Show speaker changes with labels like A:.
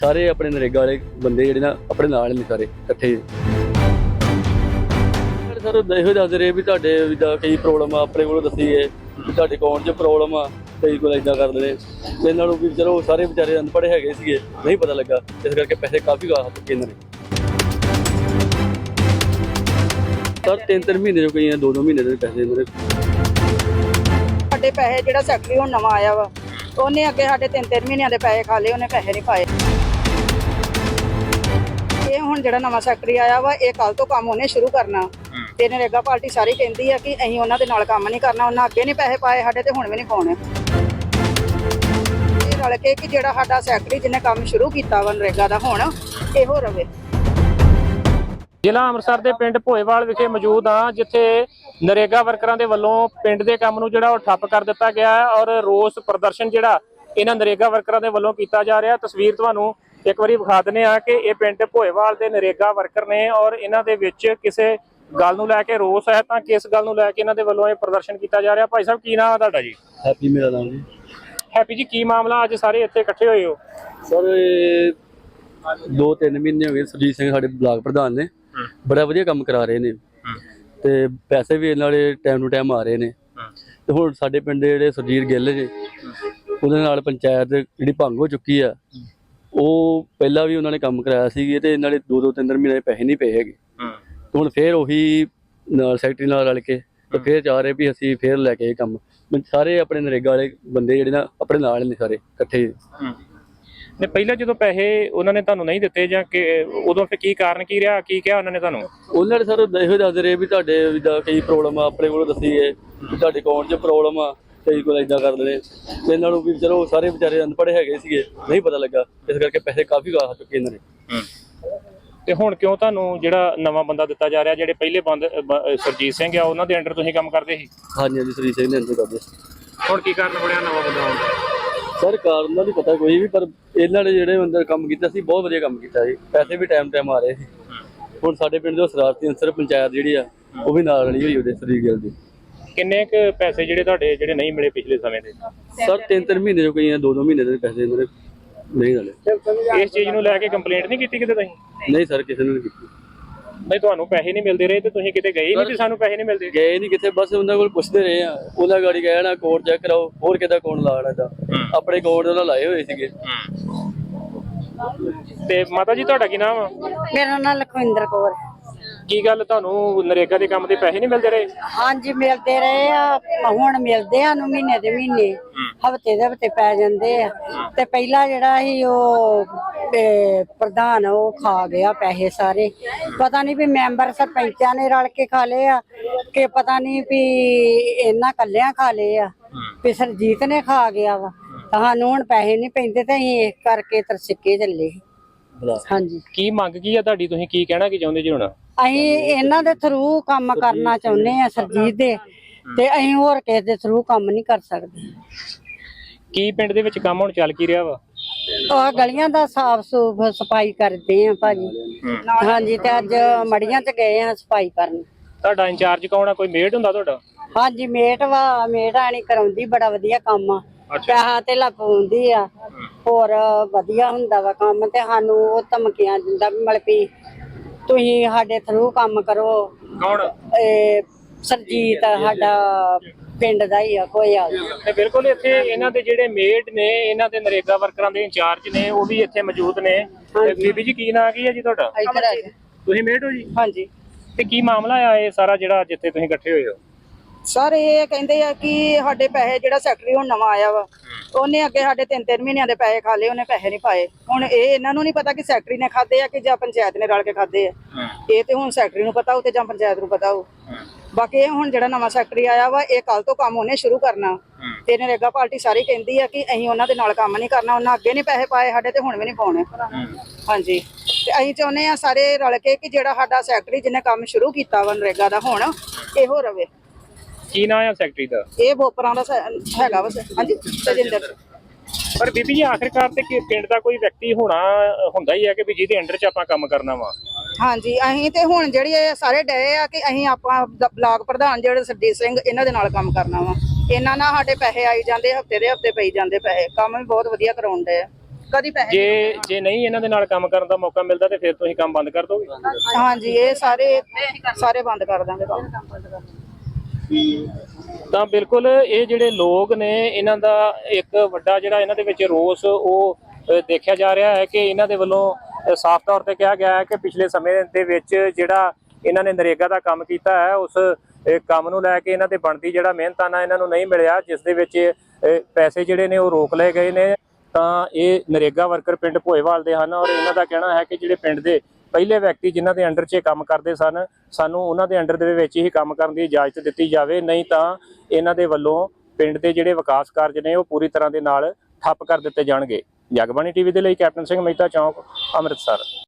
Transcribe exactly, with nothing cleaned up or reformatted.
A: सारे अपने नरेगा वाले बंदे ਜਿਹੜੇ ਨਾ ਆਪਣੇ ਨਾਲ ਨੇ ਸਾਰੇ ਇਕੱਠੇ। ਸਰ ਇਹੋ ਦੱਸ ਰਹੇ ਵੀ ਤੁਹਾਡੇ ਜਿੱਦਾਂ ਕਈ ਪ੍ਰੋਬਲਮ ਆ ਆਪਣੇ ਕੋਲੋਂ ਦੱਸੀ ਹੈ ਵੀ ਤੁਹਾਡੇ ਅਕਾਊਂਟ 'ਚ ਪ੍ਰੋਬਲਮ ਆ, ਕਈ ਕੋਲ ਇੱਦਾਂ ਕਰਦੇ ਨੇ ਤੇ ਇਹਨਾਂ ਨੂੰ ਵੀ ਚਲੋ ਸਾਰੇ ਵਿਚਾਰੇ ਅਨਪੜ੍ਹ ਹੈਗੇ ਸੀਗੇ, ਨਹੀਂ ਪਤਾ ਲੱਗਾ, ਇਸ ਕਰਕੇ ਪੈਸੇ ਕਾਫੀ ਗਾ ਚੁੱਕੇ ਇਹਨਾਂ ਨੇ। ਸਰ ਤਿੰਨ ਤਿੰਨ ਮਹੀਨੇ ਜੋ ਕਈ ਦੋ ਦੋ ਮਹੀਨੇ ਦੇ ਪੈਸੇ ਇਹਨਾਂ ਦੇ।
B: ਸਾਡੇ ਪੈਸੇ ਜਿਹੜਾ ਸੈਕਟਰੀ ਹੁਣ ਨਵਾਂ ਆਇਆ ਵਾ ਉਹਨੇ ਅੱਗੇ ਸਾਡੇ ਤਿੰਨ ਤਿੰਨ ਮਹੀਨਿਆਂ ਦੇ ਪੈਸੇ ਖਾ ਲਏ, ਉਹਨੇ ਪੈਸੇ ਨਹੀਂ ਪਾਏ। ਇਹ ਹੁਣ ਜਿਹੜਾ ਨਵਾਂ ਸੈਕਟਰੀ ਆਇਆ ਵਾ ਇਹ ਕੱਲ ਤੋਂ ਕੰਮ ਉਹਨੇ ਸ਼ੁਰੂ ਕਰਨਾ ਤੇ ਨਰੇਗਾ ਪਾਰਟੀ ਸਾਰੀ ਕਹਿੰਦੀ ਆ ਕਿ ਅਸੀਂ ਉਹਨਾਂ ਦੇ ਨਾਲ ਕੰਮ ਨਹੀਂ ਕਰਨਾ, ਉਹਨਾਂ ਅੱਗੇ ਨਹੀਂ ਪੈਸੇ ਪਾਏ ਸਾਡੇ ਤੇ ਹੁਣ ਵੀ ਨਹੀਂ ਪਾਉਣੇ। ਇਹ ਰਲ ਕੇ ਕਿ ਜਿਹੜਾ ਸਾਡਾ ਸੈਕਟਰੀ ਜਿਹਨੇ ਕੰਮ ਸ਼ੁਰੂ ਕੀਤਾ ਵਾ ਨਰੇਗਾ ਦਾ ਹੁਣ ਇਹੋ ਰਵੇ।
C: ਜ਼ਿਲ੍ਹਾ ਅੰਮ੍ਰਿਤਸਰ ਦੇ ਪਿੰਡ ਭੋਏਵਾਲ ਵਿਖੇ ਮੌਜੂਦ ਹਾਂ, ਜਿੱਥੇ ਨਰੇਗਾ ਵਰਕਰਾਂ ਦੇ ਵੱਲੋਂ ਪਿੰਡ ਦੇ ਕੰਮ ਨੂੰ ਜਿਹੜਾ ਉਹ ਠੱਪ ਕਰ ਦਿੱਤਾ ਗਿਆ ਹੈ ਔਰ ਰੋਸ ਪ੍ਰਦਰਸ਼ਨ ਜਿਹੜਾ ਇਹਨਾਂ ਨਰੇਗਾ ਵਰਕਰਾਂ ਦੇ ਵੱਲੋਂ ਕੀਤਾ ਜਾ ਰਿਹਾ। ਤਸਵੀਰ ਤੁਹਾਨੂੰ ਇੱਕ ਵਾਰੀ ਵਿਖਾ ਦਿੰਦੇ ਆ ਕਿ ਇਹ ਪਿੰਡ ਭੋਏਵਾਲ ਦੇ ਨਰੇਗਾ ਵਰਕਰ ਨੇ ਔਰ ਇਹਨਾਂ ਦੇ ਵਿੱਚ ਕਿਸੇ ਗੱਲ ਨੂੰ ਲੈ ਕੇ ਰੋਸ ਹੈ ਤਾਂ ਕਿਸ ਗੱਲ ਨੂੰ ਲੈ ਕੇ ਇਹਨਾਂ ਦੇ ਵੱਲੋਂ ਇਹ ਪ੍ਰਦਰਸ਼ਨ ਕੀਤਾ ਜਾ ਰਿਹਾ। ਭਾਈ ਸਾਹਿਬ ਕੀ ਨਾਮ ਹੈ ਤੁਹਾਡਾ ਜੀ?
A: ਹੈਪੀ ਮੇਰਾ ਨਾਮ ਜੀ।
C: ਹੈਪੀ ਜੀ, ਕੀ ਮਾਮਲਾ ਅੱਜ ਸਾਰੇ ਇੱਥੇ ਇਕੱਠੇ ਹੋਏ ਹੋ?
A: ਸਰ ਇਹ ਦੋ ਤਿੰਨ ਮਹੀਨੇ ਹੋ ਗਏ ਸੁਰਜੀਤ ਸਿੰਘ ਸਾਡੇ ਬਲਾਕ ਪ੍ਰਧਾਨ ਨੇ ਬੜਾ ਵਧੀਆ ਕੰਮ ਕਰਾ ਰਹੇ ਨੇ ਤੇ ਪੈਸੇ ਵੀ ਇਹਨਾਂ ਦੇ ਟਾਈਮ ਟੂ ਟਾਈਮ ਆ ਰਹੇ ਨੇ। ਤੇ ਹੁਣ ਸਾਡੇ ਪਿੰਡ ਦੇ ਜਿਹੜੇ ਸੁਰਜੀਤ ਗਿੱਲ ਜੇ ਉਹਦੇ ਨਾਲ ਪੰਚਾਇਤ ਜਿਹੜੀ ਭੰਗ ਹੋ ਚੁੱਕੀ ਆ, ਉਹ ਪਹਿਲਾਂ ਵੀ ਉਹਨਾਂ ਨੇ ਕੰਮ ਕਰਾਇਆ ਸੀ ਤੇ ਇਹਨਾਂ ਦੇ ਦੋ ਦੋ ਤਿੰਨ ਤਿੰਨ ਮਹੀਨੇ ਪੈਸੇ ਨਹੀਂ ਪਏ ਹੈਗੇ। ਤੇ ਹੁਣ ਫੇਰ ਉਹੀ ਨਾਲ ਸੈਕਟਰੀ ਨਾਲ ਰਲ ਕੇ ਤੇ ਫੇਰ ਚਾਹ ਰਹੇ ਵੀ ਅਸੀਂ ਫੇਰ ਲੈ ਕੇ ਇਹ ਕੰਮ ਸਾਰੇ ਆਪਣੇ ਨਰੇਗਾ ਵਾਲੇ ਬੰਦੇ ਜਿਹੜੇ ਨਾ ਆਪਣੇ ਨਾਲ ਨੇ ਸਾਰੇ ਇਕੱਠੇ।
C: ਨੇ ਪਹਿਲਾਂ ਜਦੋਂ ਪੈਸੇ ਉਹਨਾਂ ਨੇ ਤੁਹਾਨੂੰ ਨਹੀਂ ਦਿੱਤੇ ਜਾਂ ਕਿ ਉਦੋਂ ਫਿਰ ਕੀ ਕਾਰਨ ਕੀ ਰਿਹਾ, ਕੀ ਕਿਹਾ ਉਹਨਾਂ ਨੇ ਤੁਹਾਨੂੰ?
A: ਉਹਨਾਂ ਨੇ ਸਰ ਇਹੋ ਦੱਸ ਰਹੇ ਵੀ ਤੁਹਾਡੇ ਜਿੱਦਾਂ ਕਈ ਪ੍ਰੋਬਲਮ ਆ ਆਪਣੇ ਕੋਲੋਂ ਦੱਸੀ ਹੈ ਵੀ ਤੁਹਾਡੇ ਅਕਾਊਂਟ 'ਚ ਪ੍ਰੋਬਲਮ ਆ, ਕਈ ਕੋਲ ਇੱਦਾਂ ਕਰਦੇ ਨੇ ਤੇ ਇਹਨਾਂ ਨੂੰ ਵੀ ਚਲੋ ਸਾਰੇ ਵਿਚਾਰੇ ਅਨਪੜ੍ਹ ਹੈਗੇ ਸੀਗੇ, ਨਹੀਂ ਪਤਾ ਲੱਗਾ, ਇਸ ਕਰਕੇ ਪੈਸੇ ਕਾਫੀ ਗਾ ਚੁੱਕੇ ਇਹਨਾਂ ਨੇ।
C: ਤੇ ਹੁਣ ਕਿਉਂ ਤੁਹਾਨੂੰ ਜਿਹੜਾ ਨਵਾਂ ਬੰਦਾ ਦਿੱਤਾ ਜਾ ਰਿਹਾ? ਜਿਹੜੇ ਪਹਿਲੇ ਬੰਦ ਸੁਰਜੀਤ ਸਿੰਘ ਆ ਉਹਨਾਂ ਦੇ ਅੰਡਰ ਤੁਸੀਂ ਕੰਮ ਕਰਦੇ ਸੀ?
A: ਹਾਂਜੀ ਹਾਂਜੀ ਸੁਰਜੀਤ ਸਿੰਘ ਦੇ ਅੰਦਰ ਕਰਦੇ।
C: ਹੁਣ ਕੀ ਕਾਰਨ ਬਣਿਆ ਨਵਾਂ ਬੰਦਾ ਆਉਣ ਦਾ?
A: ਸਰ ਕਾਰਨ ਦਾ ਨਹੀਂ ਪਤਾ ਕੋਈ ਵੀ, ਪਰ ਇਹਨਾਂ ਨੇ ਜਿਹੜੇ ਅੰਦਰ ਕੰਮ ਕੀਤਾ ਸੀ ਬਹੁਤ ਵਧੀਆ ਕੰਮ ਕੀਤਾ ਜੀ, ਪੈਸੇ ਵੀ ਟਾਈਮ ਟਾਈਮ ਆ ਰਹੇ ਸੀ। ਹੁਣ ਸਾਡੇ ਪਿੰਡ ਦੇ ਸ਼ਰਾਰਤੀ ਅੰਸਰ ਪੰਚਾਇਤ ਜਿਹੜੀ ਆ ਉਹ ਵੀ ਨਾਲ ਰਲੀ ਹੋਈ ਉਹਦੇ ਸੁਰਜੀਤ ਗਿੱਲ ਦੀ।
C: ਕਿੰਨੇ ਕੁ ਪੈਸੇ ਜਿਹੜੇ ਤੁਹਾਡੇ ਜਿਹੜੇ ਨਹੀਂ ਮਿਲੇ ਪਿਛਲੇ ਸਮੇਂ ਦੇ?
A: ਸਰ ਤਿੰਨ ਤਿੰਨ ਮਹੀਨੇ ਜੋ ਕਈ ਦੋ ਦੋ ਮਹੀਨੇ ਦੇ ਪੈਸੇ ਇਹਨਾਂ ਦੇ ਨਹੀਂ ਨਾਲੇ।
C: ਇਸ ਚੀਜ਼ ਨੂੰ ਲੈ ਕੇ ਕੰਪਲੇਂਟ ਨਹੀਂ ਕੀਤੀ ਕਿਤੇ ਤੁਸੀਂ?
A: ਨਹੀਂ ਸਰ ਕਿਸੇ ਨੇ ਨਹੀਂ ਕੀਤੀ।
C: ਨਹੀਂ ਤੁਹਾਨੂੰ ਪੈਸੇ ਨਹੀਂ ਮਿਲਦੇ ਰਹੇ ਤੇ ਤੁਸੀਂ ਕਿਤੇ ਗਏ ਨਹੀਂ ਵੀ ਸਾਨੂੰ ਪੈਸੇ ਨਹੀਂ ਮਿਲਦੇ?
A: ਗਏ ਨਹੀਂ ਕਿਤੇ, ਬਸ ਉਹਨਾਂ ਕੋਲ ਪੁੱਛਦੇ ਰਹੇ ਆ, ਉਹਨਾਂ ਗਾੜੀ ਗਏ ਨਾ ਕੋਡ ਚੈੱਕ ਕਰਾਓ, ਹੋਰ ਕਿਹਦਾ ਕੋਡ ਲਾਣਾ ਦਾ ਆਪਣੇ ਕੋਡ ਉਹਨਾਂ ਲਾਏ ਹੋਏ ਸੀਗੇ।
C: ਤੇ ਮਾਤਾ ਜੀ ਤੁਹਾਡਾ ਕੀ ਨਾਮ ਆ?
B: ਮੇਰਾ ਨਾਮ ਲਖਵਿੰਦਰ ਕੌਰ।
C: ਕੀ ਗੱਲ ਤੁਹਾਨੂੰ ਨਰੇਗਾ ਦੇ ਕੰਮ ਦੇ ਪੈਸੇ ਨਹੀਂ ਮਿਲਦੇ ਰਹੇ?
B: ਹਾਂਜੀ ਮਿਲਦੇ ਰਹੇ ਆ, ਹੁਣ ਮਿਲਦੇ ਆ ਨੂੰ ਮਹੀਨੇ ਦੇ ਮਹੀਨੇ, ਹਫਤੇ ਦੇ ਹਫਤੇ ਪੈ ਜਾਂਦੇ ਆ। ਤੇ ਪਹਿਲਾਂ ਜਿਹੜਾ ਸੀ ਉਹ ਪ੍ਰਧਾਨ ਉਹ ਖਾ ਗਿਆ ਪੈਸੇ ਸਾਰੇ, ਪਤਾ ਨਹੀਂ ਵੀ ਮੈਂਬਰ ਸਰਪੰਚਾਂ ਨੇ ਰਲ ਕੇ ਖਾ ਲਏ ਆ ਕਿ ਪਤਾ ਨਹੀਂ ਵੀ ਇਹਨਾਂ ਕੱਲਿਆਂ ਖਾ ਲਏ ਆ, ਵੀ ਸਰਜੀਤ ਨੇ ਖਾ ਗਿਆ ਵਾ। ਸਾਨੂੰ ਹੁਣ ਪੈਸੇ ਨਹੀਂ ਪੈਂਦੇ ਤੇ ਅਸੀਂ ਇਸ ਕਰਕੇ ਤਰਸਿੱਕੇ ਚੱਲੇ। ਹਾਂਜੀ
C: ਕੀ ਮੰਗ ਕੀ ਆ ਤੁਹਾਡੀ? ਤੁਸੀਂ ਕੀ ਕਹਿਣਾ ਕੀ ਚਾਹੁੰਦੇ ਜੀ ਹੁਣ?
B: ਅਸੀਂ ਇਹਨਾਂ ਦੇ ਥਰੂ ਕੰਮ ਕਰਨਾ ਚਾਹੁੰਦੇ ਆ ਸਰਜੀਤ ਦੇ, ਤੇ ਅਸੀਂ ਹੋਰ ਕਿਸੇ ਦੇ ਥਰੂ ਕੰਮ ਨਹੀਂ ਕਰ ਸਕਦੇ।
C: ਕੀ ਪਿੰਡ ਦੇ ਵਿੱਚ ਕੰਮ ਹੁਣ ਚੱਲ ਕੀ ਰਿਹਾ ਵਾ?
B: ਉਹ ਗਲੀਆਂ ਦਾ ਸਾਫ ਸੂਫ ਸਫਾਈ ਕਰਦੇ ਆ ਭਾਜੀ। ਹਾਂਜੀ ਤੇ ਅੱਜ ਮੜੀਆਂ ਚ ਗਏ ਆ ਸਫਾਈ ਕਰਨ।
C: ਤੁਹਾਡਾ ਇੰਚਾਰਜ ਕੌਣ ਆ? ਕੋਈ ਮੇਟ ਹੁੰਦਾ ਤੁਹਾਡਾ?
B: ਹਾਂਜੀ ਮੇਟ ਵਾ, ਮੇਟ ਆਣੀ ਕਰਾਉਂਦੀ, ਬੜਾ ਵਧੀਆ ਕੰਮ ਆ, ਪੈਸਾ ਤੇ ਲਾਉਂਦੀ ਆ, ਹੋਰ ਵਧੀਆ ਹੁੰਦਾ ਵਾ ਕੰਮ। ਤੇ ਸਾਨੂੰ ਉਹ ਧਮਕੀਆਂ ਦਿੰਦਾ ਵੀ ਮਤਲਬ ਵੀ ਤੁਸੀਂ ਸਾਡੇ ਥਰੂ ਕੰਮ ਕਰੋ।
C: ਕੌਣ?
B: ਇਹ ਸਰਜੀਤ ਸਾਡਾ ਪਿੰਡ ਦਾ ਹੀ ਆ ਕੋਈ ਆ।
C: ਤੇ ਬਿਲਕੁਲ ਇੱਥੇ ਇਹਨਾਂ ਦੇ ਜਿਹੜੇ ਮੇਟ ਨੇ, ਇਹਨਾਂ ਦੇ ਨਰੇਗਾ ਵਰਕਰਾਂ ਦੇ ਇੰਚਾਰਜ ਨੇ, ਉਹ ਵੀ ਇੱਥੇ ਮੌਜੂਦ ਨੇ। ਬੀਬੀ ਜੀ ਕੀ ਨਾਂ ਕੀ ਹੈ ਜੀ ਤੁਹਾਡਾ?
B: ਇੱਧਰ ਆ
C: ਤੁਸੀਂ ਮੇਟ ਹੋ ਜੀ?
B: ਹਾਂਜੀ।
C: ਤੇ ਕੀ ਮਾਮਲਾ ਆ ਇਹ ਸਾਰਾ ਜਿਹੜਾ ਜਿੱਥੇ ਤੁਸੀਂ ਇਕੱਠੇ ਹੋਏ ਹੋ?
B: ਸਰ ਇਹ ਕਹਿੰਦੇ ਆ ਕਿ ਸਾਡੇ ਪੈਸੇ ਜਿਹੜਾ ਸੈਕਟਰੀ ਹੁਣ ਨਵਾਂ ਆਇਆ ਵਾ ਉਹਨੇ ਅੱਗੇ ਸਾਡੇ ਤਿੰਨ ਤਿੰਨ ਮਹੀਨਿਆਂ ਦੇ ਪੈਸੇ ਖਾ ਲਏ, ਉਹਨੇ ਪੈਸੇ ਨਹੀਂ ਪਾਏ। ਹੁਣ ਇਹ ਇਹਨਾਂ ਨੂੰ ਨਹੀਂ ਪਤਾ ਕਿ ਸੈਕਟਰੀ ਨੇ ਖਾਦੇ ਆ ਕਿ ਜਾਂ ਪੰਚਾਇਤ ਨੇ ਰਲ ਕੇ ਖਾਦੇ ਆ, ਇਹ ਤੇ ਹੁਣ ਸੈਕਟਰੀ ਨੂੰ ਪਤਾ ਹੋਊ ਤੇ ਜਾਂ ਪੰਚਾਇਤ ਨੂੰ ਪਤਾ ਹੋਊ। ਬਾਕੀ ਇਹ ਹੁਣ ਜਿਹੜਾ ਨਵਾਂ ਸੈਕਟਰੀ ਆਇਆ ਵਾ ਇਹ ਕੱਲ ਤੋਂ ਕੰਮ ਉਹਨੇ ਸ਼ੁਰੂ ਕਰਨਾ ਤੇ ਨਰੇਗਾ ਪਾਰਟੀ ਸਾਰੀ ਕਹਿੰਦੀ ਆ ਕਿ ਅਸੀਂ ਉਹਨਾਂ ਦੇ ਨਾਲ ਕੰਮ ਨਹੀਂ ਕਰਨਾ, ਉਹਨਾਂ ਅੱਗੇ ਨਹੀਂ ਪੈਸੇ ਪਾਏ ਸਾਡੇ ਤੇ ਹੁਣ ਵੀ ਨਹੀਂ ਪਾਉਣੇ। ਹਾਂਜੀ ਤੇ ਅਸੀਂ ਚਾਹੁੰਦੇ ਆ ਸਾਰੇ ਰਲ ਕੇ ਕਿ ਜਿਹੜਾ ਸਾਡਾ ਸੈਕਟਰੀ ਜਿਹਨੇ ਕੰਮ ਸ਼ੁਰੂ ਕੀਤਾ ਵਾ ਨਰੇਗਾ ਦਾ ਹੁਣ ਇਹੋ ਰਵੇ।
C: ਕੀ ਨਾਂ ਆ ਸੈਕਟਰੀ ਦਾ? ਇਹ
B: ਬੋਪਰਾਂ ਦਾ ਹੈਗਾ ਵਾ। ਹਾਂਜੀ ਤਜਿੰਦਰ।
C: ਪਰ ਬੀਬੀ ਜੀ ਆਖਿਰਕਾਰ ਤੇ ਪਿੰਡ ਦਾ ਕੋਈ ਵਿਅਕਤੀ ਹੋਣਾ ਹੁੰਦਾ ਹੀ ਹੈ ਕਿ ਵੀ ਜਿਹਦੇ ਅੰਡਰ ਚ ਆਪਾਂ ਕੰਮ ਕਰਨਾ ਵਾ।
B: ਹਾਂਜੀ ਅਸੀਂ ਤੇ ਹੁਣ ਜਿਹੜੀ ਇਹ ਸਾਰੇ ਡਏ ਆ ਕਿ ਅਸੀਂ ਆਪਾਂ ਬਲਾਕ ਪ੍ਰਧਾਨ ਜਿਹੜੇ ਸਰਜੀਤ ਸਿੰਘ ਇਹਨਾਂ ਦੇ ਨਾਲ ਕੰਮ ਕਰਨਾ ਵਾ। ਇਹਨਾਂ ਨਾਲ ਸਾਡੇ ਪੈਸੇ ਆਈ ਜਾਂਦੇ, ਹਫਤੇ ਦੇ ਹਫਤੇ ਪਈ ਜਾਂਦੇ ਪੈਸੇ, ਕੰਮ ਵੀ ਬਹੁਤ ਵਧੀਆ ਕਰਾਉਣ ਡਏ ਆ। ਕਦੀ ਪੈਸੇ
C: ਜੇ ਜੇ ਨਹੀਂ ਇਹਨਾਂ ਦੇ ਨਾਲ ਕੰਮ ਕਰਨ ਦਾ ਮੌਕਾ ਮਿਲਦਾ ਤੇ ਫਿਰ ਤੁਸੀਂ ਕੰਮ ਬੰਦ ਕਰ ਦੋਗੇ?
B: ਹਾਂਜੀ ਇਹ ਸਾਰੇ ਸਾਰੇ ਬੰਦ ਕਰ ਦਾਂਗੇ ਕੰਮ।
C: ਤਾਂ ਬਿਲਕੁਲ ਇਹ ਜਿਹੜੇ ਲੋਕ ਨੇ ਇਹਨਾਂ ਦਾ ਇੱਕ ਵੱਡਾ ਜਿਹੜਾ ਇਹਨਾਂ ਦੇ ਵਿੱਚ ਰੋਸ ਉਹ ਅ, ਦੇਖਿਆ ਜਾ ਰਿਹਾ ਹੈ ਕਿ ਇਹਨਾਂ ਦੇ ਵੱਲੋਂ ਅ, ਸਾਫ਼ ਤੌਰ ਤੇ ਕਿਹਾ ਗਿਆ ਹੈ ਕਿ ਪਿਛਲੇ ਸਮੇਂ ਦੇ ਵਿੱਚ ਜਿਹੜਾ ਇਹਨਾਂ ਨੇ ਨਰੇਗਾ ਦਾ ਕੰਮ ਕੀਤਾ ਹੈ ਉਸ ਅ, ਕੰਮ ਨੂੰ ਲੈ ਕੇ ਇਹਨਾਂ ਦੇ ਬਣਦੀ ਜਿਹੜਾ ਮਿਹਨਤਾਨਾ ਇਹਨਾਂ ਨੂੰ ਨਹੀਂ ਮਿਲਿਆ, ਜਿਸ ਦੇ ਵਿੱਚ ਅ, ਪੈਸੇ ਜਿਹੜੇ ਨੇ ਉਹ ਰੋਕ ਲਏ ਗਏ ਨੇ। ਤਾਂ ਇਹ ਨਰੇਗਾ ਵਰਕਰ ਪਿੰਡ ਭੋਏਵਾਲ ਦੇ ਹਨ ਔਰ ਇਹਨਾਂ ਦਾ ਕਹਿਣਾ ਹੈ ਕਿ ਜਿਹੜੇ ਪਿੰਡ ਦੇ ਪਹਿਲੇ ਵਿਅਕਤੀ ਜਿਨ੍ਹਾਂ ਦੇ ਅੰਡਰ 'ਚ ਇਹ ਕੰਮ ਕਰਦੇ ਸਨ, ਸਾਨੂੰ ਉਹਨਾਂ ਦੇ ਅੰਡਰ ਦੇ ਵਿੱਚ ਹੀ ਕੰਮ ਕਰਨ ਦੀ ਇਜਾਜ਼ਤ ਦਿੱਤੀ ਜਾਵੇ, ਨਹੀਂ ਤਾਂ ਇਹਨਾਂ ਦੇ ਵੱਲੋਂ ਪਿੰਡ ਦੇ ਜਿਹੜੇ ਵਿਕਾਸ ਕਾਰਜ ਨੇ ਉਹ ਪੂਰੀ ਤਰ੍ਹਾਂ ਦੇ ਨਾਲ ਠੱਪ ਕਰ ਦਿੱਤੇ ਜਾਣਗੇ। ਜਗਬਾਣੀ ਟੀਵੀ ਦੇ ਲਈ ਕੈਪਟਨ ਸਿੰਘ ਮਹਿਤਾ, ਚੌਂਕ, ਅੰਮ੍ਰਿਤਸਰ।